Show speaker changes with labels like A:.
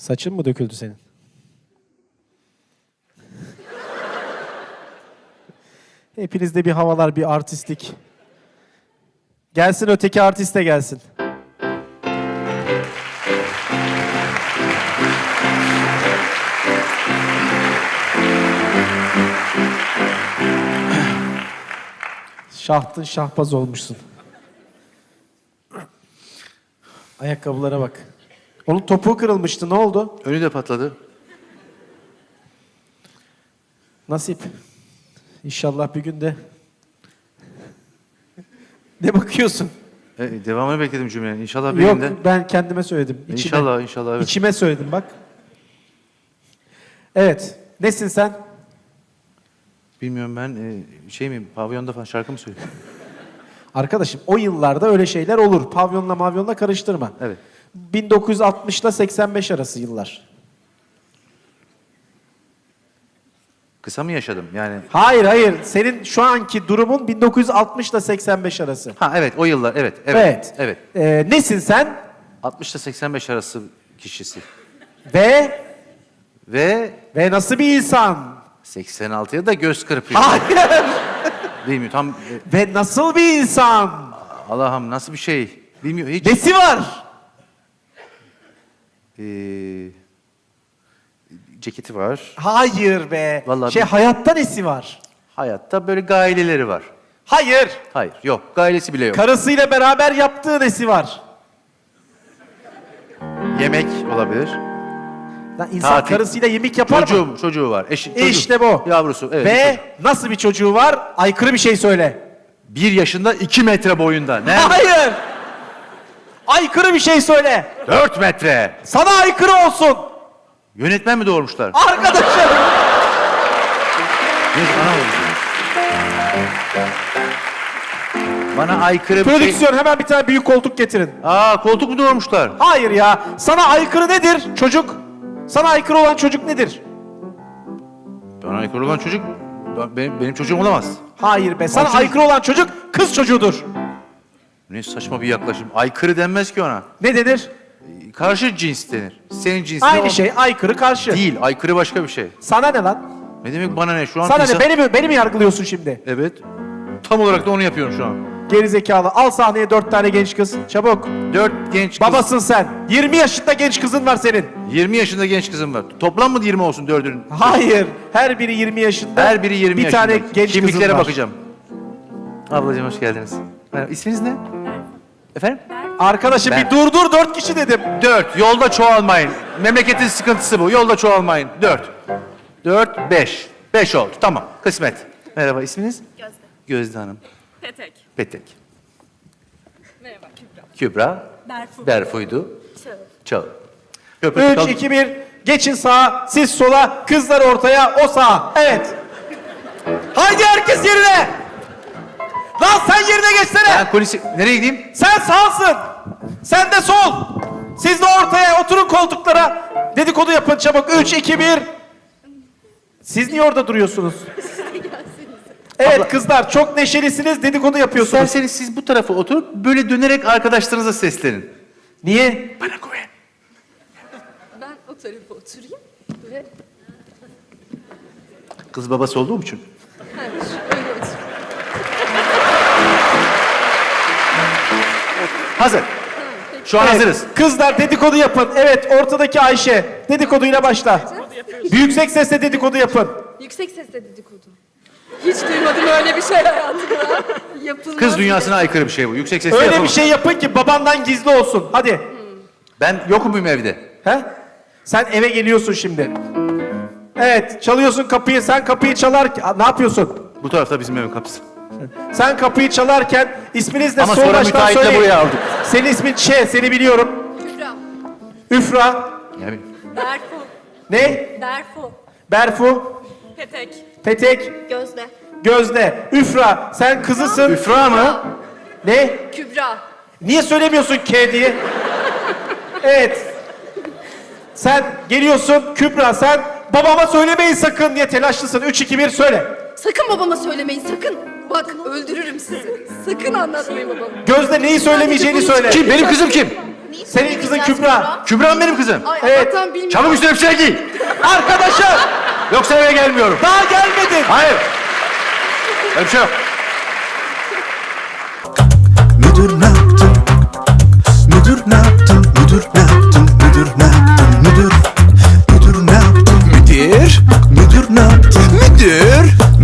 A: Saçın mı döküldü senin? Hepinizde bir havalar, bir artistlik. Gelsin öteki artist de gelsin. Şahtın şahbaz olmuşsun. Ayakkabılara bak. Onun topuğu kırılmıştı. Ne oldu?
B: Önü de patladı.
A: Nasip. İnşallah bir gün de... Ne bakıyorsun?
B: Devamını bekledim cümlenin. İnşallah bir
A: Yok,
B: günde.
A: ben kendime söyledim. İçime.
B: İnşallah, inşallah. Evet.
A: İçime söyledim bak. Evet. Nesin sen?
B: Bilmiyorum ben şey miyim? Pavyonda falan şarkı mı söylüyorum?
A: Arkadaşım o yıllarda öyle şeyler olur. Pavyonla mavyonla karıştırma.
B: Evet.
A: 1960 ile 85 arası yıllar.
B: Kısa mı yaşadım yani?
A: Hayır hayır. Senin şu anki durumun 1960 ile 85 arası.
B: Ha evet o yıllar evet. Evet.
A: Evet.
B: Evet.
A: Nesin sen?
B: 60 ile 85 arası kişisi.
A: Ve
B: Ve
A: nasıl bir insan?
B: 86'ya da göz kırpıyor.
A: Hayır.
B: Bilmiyorum tam
A: Ve nasıl bir insan?
B: Allah'ım nasıl bir şey? Bilmiyorum hiç.
A: Nesi var?
B: Ceketi var.
A: Hayır be.
B: Vallahi
A: hayatta nesi var?
B: Hayatta böyle gaileleri var.
A: Hayır.
B: Hayır yok gailesi bile yok.
A: Karısıyla beraber yaptığı nesi var?
B: Yemek olabilir.
A: Lan insan
B: Tatil.
A: karısıyla yemek yapar mı?
B: Çocuğu var. Çocuğu.
A: İşte bu.
B: Yavrusu. Evet.
A: Ve nasıl bir çocuğu var? Aykırı bir şey söyle.
B: 1 yaşında 2 metre boyunda. Ne?
A: Hayır. Aykırı bir şey söyle.
B: 4 metre.
A: Sana aykırı olsun.
B: Yönetmen mi doğurmuşlar?
A: Arkadaşım.
B: Bana aykırı bir şey...
A: Prodüksiyon hemen bir tane büyük koltuk getirin.
B: Koltuk mu doğurmuşlar?
A: Hayır ya. Sana aykırı nedir çocuk? Sana aykırı olan çocuk nedir?
B: Bana aykırı olan çocuk benim çocuğum olamaz.
A: Hayır be. Sana
B: Olsun.
A: aykırı olan çocuk kız çocuğudur.
B: Ne saçma bir yaklaşım. Aykırı denmez ki ona.
A: Ne denir?
B: Karşı cins denir. Senin cinsine
A: Aynı şey. Aykırı karşı.
B: Değil. Aykırı başka bir şey.
A: Sana ne lan?
B: Ne demek bana ne? Şu an
A: Sana
B: insan...
A: ne? Beni mi yargılıyorsun şimdi?
B: Evet. Tam olarak da onu yapıyorum şu an.
A: Gerizekalı. Al sahneye 4 tane genç kız. Çabuk.
B: 4 genç kız.
A: Babasın sen. 20 yaşında genç kızın var senin.
B: 20 yaşında genç kızım var. Toplam mı 20 olsun 4'ünün?
A: Hayır. Her biri 20 yaşında.
B: Her biri 20
A: bir
B: yaşında.
A: tane genç kızın
B: Kimliklere
A: var.
B: bakacağım. Ablacığım hoş geldiniz. Merhaba. İsminiz ne? Efendim?
A: Arkadaşım
B: Ben-
A: bir dur 4 kişi dedim.
B: 4. Yolda çoğalmayın. Memleketin sıkıntısı bu. Yolda çoğalmayın. 4. 4, 5. 5 oldu. Tamam. Kısmet. Merhaba. İsminiz?
C: Gözde.
B: Gözde Hanım.
C: Petek.
B: Petek.
C: Merhaba Kübra.
B: Kübra.
C: Berfu.
B: Berfu'ydu.
C: Çağıl.
B: Çağıl. Köprü
A: 3, 2, 1. Geçin sağa, siz sola, kızlar ortaya, o sağa. Evet. Haydi herkes yerine. Lan sen yerine geçsene.
B: Ben kulisi... Nereye gideyim?
A: Sen sağsın. Sen de sol. Siz de ortaya oturun koltuklara. Dedikodu yapın çabuk. 3, 2, 1. Siz niye orada duruyorsunuz? Evet
B: Abla-
A: kızlar çok neşelisiniz, dedikodu yapıyorsunuz.
B: İsterseniz siz bu tarafa oturup böyle dönerek arkadaşlarınıza seslenin.
A: Niye?
B: Bana güven.
C: Ben o tarafa oturayım ve
B: Kız babası olduğum için.
C: öyle otur.
B: Hazır. Şu an
A: Evet,
B: hazırız.
A: Kızlar dedikodu yapın. Evet ortadaki Ayşe. Dedikoduyla başla. Yüksek sesle dedikodu yapın.
C: Yüksek sesle dedikodu. Hiç duymadım öyle bir şey hayatımda. Yapılmaz.
B: Kız dünyasına aykırı bir şey bu. Yüksek sesle
A: Öyle
B: yapamam.
A: bir şey yapın ki babandan gizli olsun. Hadi.
B: Ben yokum muyum evde?
A: He? Sen eve geliyorsun şimdi. Evet çalıyorsun kapıyı. Sen kapıyı çalar... Ne yapıyorsun?
B: Bu tarafta bizim evin kapısı.
A: Sen kapıyı çalarken isminiz de
B: Ama
A: sol
B: sonra
A: baştan
B: müteahhitle
A: söyleyin.
B: buraya aldık.
A: Senin ismin seni biliyorum.
C: Kübra.
A: Üfra.
B: Yani
C: Berfu.
A: Ne?
C: Berfu.
A: Berfu.
C: Petek.
A: Petek.
C: Gözde.
A: Gözde. Üfra. Sen kızısın.
B: Üfra mı?
A: Ne?
C: Kübra.
A: Niye söylemiyorsun K diye? Evet. Sen geliyorsun Kübra sen babama söylemeyin sakın diye telaşlısın. 3, 2, 1 söyle.
C: Sakın babama söylemeyin sakın. Bak öldürürüm sizi. Sakın anlatmayın babama.
A: Gözde neyi söylemeyeceğini söyle.
B: Kim? Benim kızım kim?
A: Senin kızın Kübra.
B: Kübra benim kızım.
C: Ay
A: Evet.
C: Allah'tan bilmiyorum.
B: Çabuk üstüne bir şey giy.
A: Arkadaşım
B: Yoksa eve gelmiyorum.
A: daha gelmedin.
B: Hayır. Öyle bir şey yok.
D: Müdür ne yaptın? Müdür ne yaptın? Müdür ne yaptın? Müdür ne yaptın? Müdür ne yaptın? Müdür ne yaptın? Müdür